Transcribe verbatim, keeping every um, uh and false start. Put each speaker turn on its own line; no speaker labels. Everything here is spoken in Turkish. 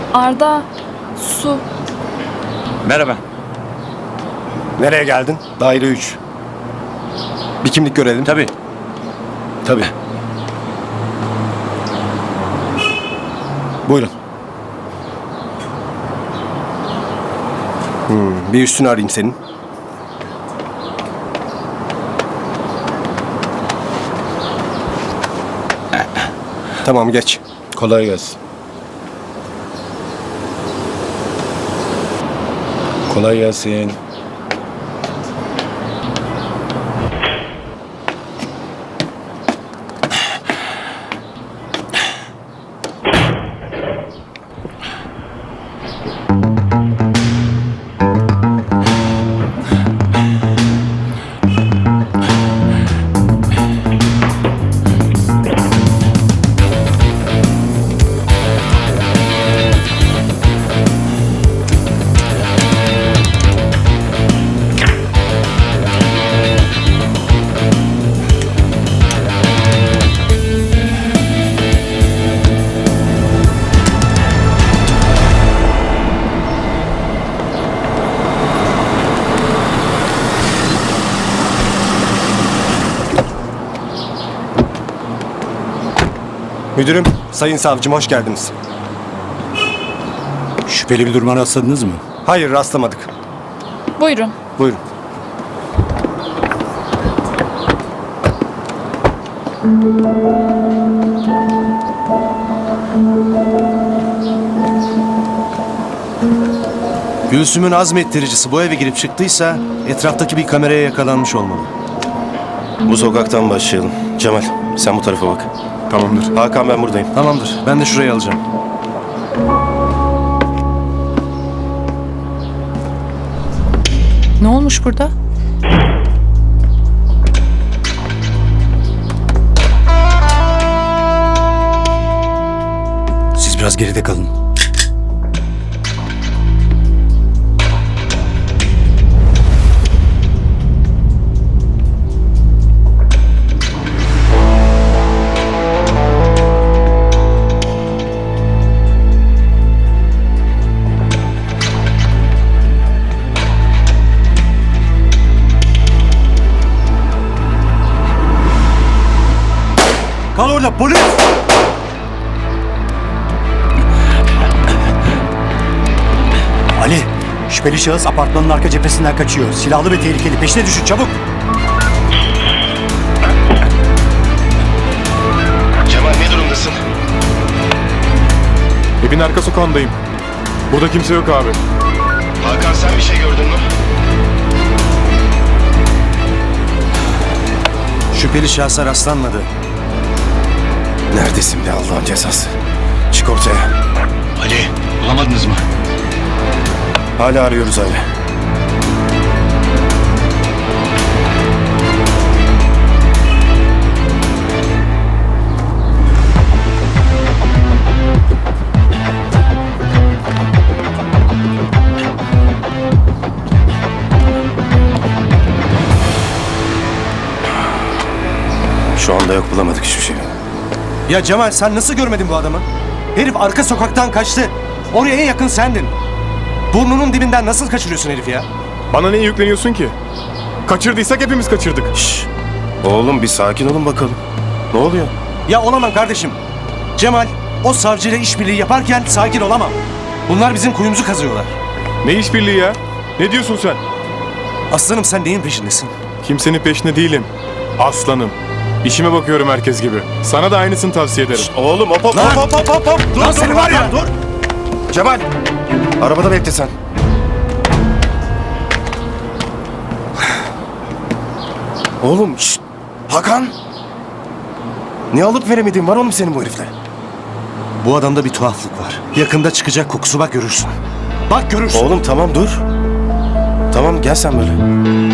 Arda, su.
Merhaba.
Nereye geldin? Daire üç. Bir kimlik görelim.
Tabii.
Tabii. Buyurun. Hmm, bir üstünü arayayım senin. Tamam, geç.
Kolay gelsin. Kolay gelsin.
Müdürüm, sayın savcım hoş geldiniz.
Şüpheli bir duruma rastladınız mı?
Hayır, rastlamadık.
Buyurun.
Buyurun.
Gülsüm'ün azmettiricisi bu eve girip çıktıysa etraftaki bir kameraya yakalanmış olmalı.
Bu sokaktan başlayalım. Cemal, sen bu tarafa bak.
Tamamdır.
Hakan, ben buradayım.
Tamamdır. Ben de şurayı alacağım.
Ne olmuş burada?
Siz biraz geride kalın.
Kal orada polis!
Ali, şüpheli şahıs apartmanın arka cephesinden kaçıyor. Silahlı ve tehlikeli. Peşine düşün çabuk.
Cemal, ne durumdasın?
Evin arka sokağındayım. Burada kimse yok abi.
Hakan, sen bir şey gördün mü?
Şüpheli şahsa rastlanmadı.
Neredesin be Allah'ın cezası? Çık ortaya.
Ali, bulamadınız mı?
Hala arıyoruz abi. Şu anda yok, bulamadık hiçbir şey.
Ya Cemal sen nasıl görmedin bu adamı? Herif arka sokaktan kaçtı. Oraya en yakın sendin. Burnunun dibinden nasıl kaçırıyorsun herifi ya?
Bana niye yükleniyorsun ki? Kaçırdıysak hepimiz kaçırdık.
Şşş. Oğlum, bir sakin olun bakalım. Ne oluyor?
Ya olamam kardeşim. Cemal o savcıyla işbirliği yaparken sakin olamam. Bunlar bizim kuyumuzu kazıyorlar.
Ne işbirliği ya? Ne diyorsun sen?
Aslanım sen neyin peşindesin?
Kimsenin peşinde değilim. Aslanım. İşime bakıyorum herkes gibi. Sana da aynısını tavsiye ederim.
Oğlum, hop hop
Lan!
hop hop hop hop. Dur,
Lan
dur,
seni var ya!
Dur. Cemal, arabada bekle sen. Oğlum, şşt. Hakan. Ne alıp veremediğin var oğlum senin bu herifle?
Bu adamda bir tuhaflık var. Yakında çıkacak kokusu, bak görürsün. Bak görürsün.
Oğlum tamam dur. Tamam, gel sen böyle.